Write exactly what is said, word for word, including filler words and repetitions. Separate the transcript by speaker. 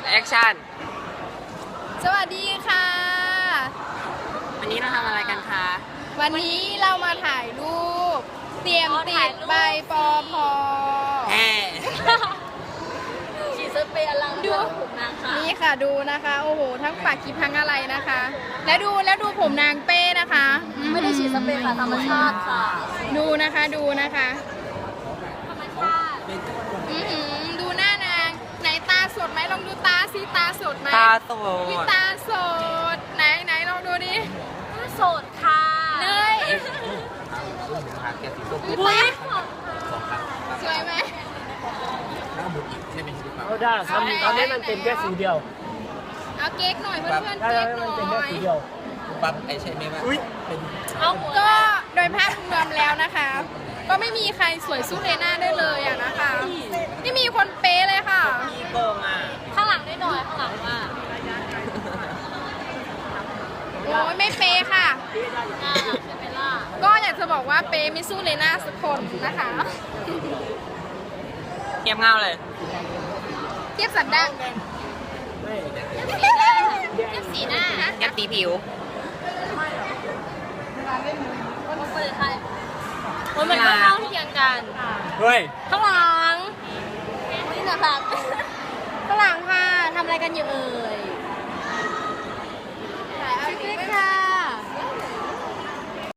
Speaker 1: แอคชั่น
Speaker 2: สวัสดีค่ะ
Speaker 1: วันนี้เราทำอะไรกันคะ
Speaker 2: วันนี้เรามาถ่ายรูป เตรียมติดใบปอพอ
Speaker 1: แฮ่
Speaker 3: ฉีดสเปรย์อลังดูผมนางค่ะ
Speaker 2: นี่ค่ะดูนะคะ โอ้โห ทั้งปากกีพังอะไรนะคะ แล้วดูแล้วดูผมนางเป้นะคะ
Speaker 3: ไม่ได้ฉีดสเปรย์ค่ะธรรมชาติค่ะ
Speaker 2: ดูนะคะดูนะคะ
Speaker 3: ธรรมชาติ
Speaker 2: อื้อหือดูหน้านาง ไหนตาสดไหมลองดูตาสิตาสดไหม
Speaker 1: ตาโต
Speaker 2: อุ๊ยตาสด ไหนไหนลองดูดิ
Speaker 3: โสดค่ะ
Speaker 2: เนย
Speaker 3: อุ้ย
Speaker 2: สวยไหม
Speaker 4: เอาได้ทำตอนนี้มันเป็นแค่สีเดียว
Speaker 2: เอาเก๊กหน่อยเพื่อนๆ
Speaker 4: ได้
Speaker 2: เก๊
Speaker 4: แล้ว
Speaker 2: กห
Speaker 4: มัน
Speaker 2: น่
Speaker 4: เป็นแค่
Speaker 2: อย
Speaker 4: สีเดียว
Speaker 1: ปั๊บไอใช่ไหมวะเป็น
Speaker 3: เอาหัว
Speaker 2: ก็โดยภาพรวมแล้วนะคะ ก็ไม่มีใครสวยสู้เลน่าได้เลยอะนะคะไม่มีคนเป๊ะเลยค่ะ
Speaker 1: พี่โกงอ่ะ
Speaker 3: ข้างหลังได้หน่อยข้างหลังว่า
Speaker 2: โอ้ยไม่เป๊ะค่ะ
Speaker 3: อ่าใช่ไหมล่ะ
Speaker 2: ก็อยากจะบอกว่าเป๊ะไม่สู้เลน่าสักคนนะคะ
Speaker 1: เงียบเงาเลย
Speaker 2: เทียบสันดัง
Speaker 4: ไม่
Speaker 2: เทียบสีหน้านะ
Speaker 1: เงียบตีผิว
Speaker 3: คนเปิดใครคนมันก็เท่าเทียมกัน
Speaker 4: เฮ้ย
Speaker 3: ข้างหลังนี่นะคะ
Speaker 2: ฝรั่งค่ะทำอะไรกันอยู่เอ่ย